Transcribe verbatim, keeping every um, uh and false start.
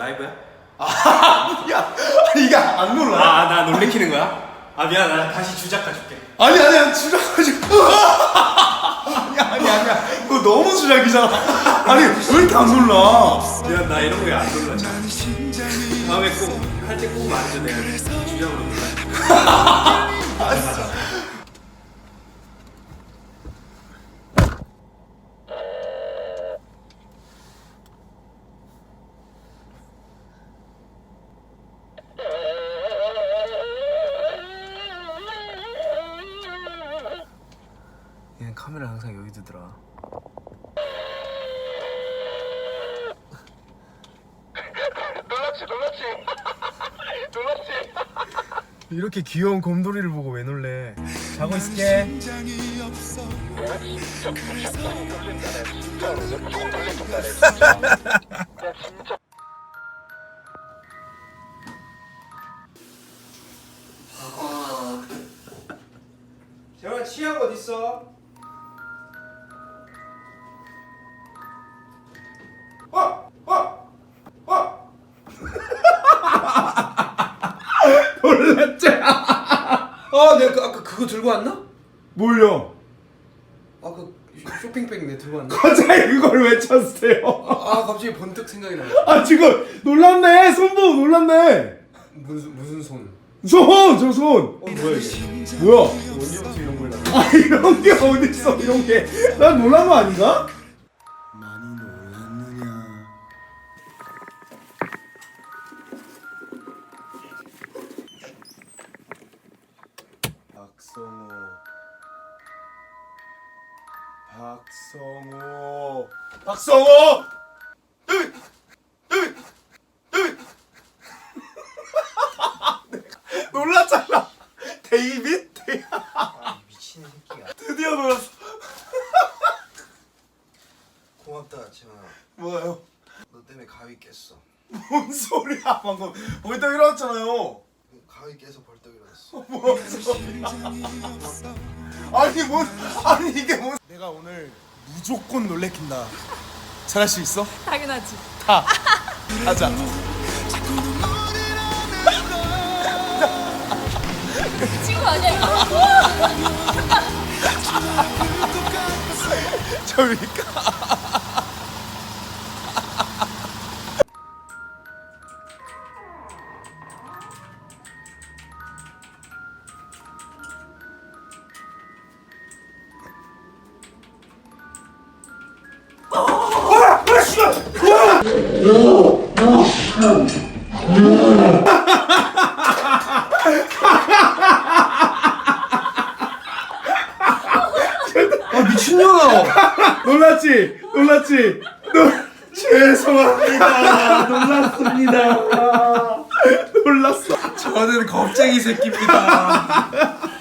라이브야? 아, 야, 이게 안 놀라? 아, 나 놀래키는 거야? 아, 미안, 나 다시 주작 가줄게. 아니 아니야, 주작하지. 아니야 아니야 아니야. 그거 너무 주작이잖아. 아니 왜 이렇게 안 놀라? 미안, 나 이런 거에 안 놀라. 다음에 꼭 할 때 꼭 말해줘. 내가 주작으로 놀라. 맞아. 얘는 카메라 항상 여기 두더라. 놀랐지 놀랐지 놀랐지. 이렇게 귀여운 곰돌이를 보고 왜 놀래? 자고 있을게. 진짜 진짜 놀랜다. 진짜 무조건 놀랜다. 진짜. 나 진짜. 재원아, 치약 어딨어? 어! 어! 어! 놀랐지? 아, 내가 그, 아까 그거 들고 왔나? 뭘요? 아, 그 쇼핑백 내 들고 왔나? 갑자기 그걸 왜 찾으세요? 아, 갑자기 번뜩 생각이 나. 아 지금 놀랐네. 손 보고 놀랐네. 무슨 무슨 손? 손! 저 손! 어, 뭐야 이게? 뭐야? 언제부터 이런 걸 나? 아 이런 게 어딨어 이런 게. 난 놀란 거 아닌가? 많이 놀랐느냐. 박성호 박성호 박성호! 놀랐잖아. 데이빗? 아, 미친 새끼야. 드디어 놀랐어. 고맙다, 재원아. 뭐예요? 너 때문에 가위 깼어. 뭔 소리야 방금. 벌떡 일어났잖아요. 가위 깨서 벌떡 일어났어. 뭔 소리야. 아니 뭔 아니 이게 뭔. 내가 오늘 무조건 놀래킨다. 잘할 수 있어? 당연하지. 다 하자. 친구 아니야 이거? 저리가. 아, 미친년아. 놀랐지? 놀랐지? 놀... 죄송합니다. 놀랐습니다. 놀랐어. 저는 겁쟁이 새끼입니다.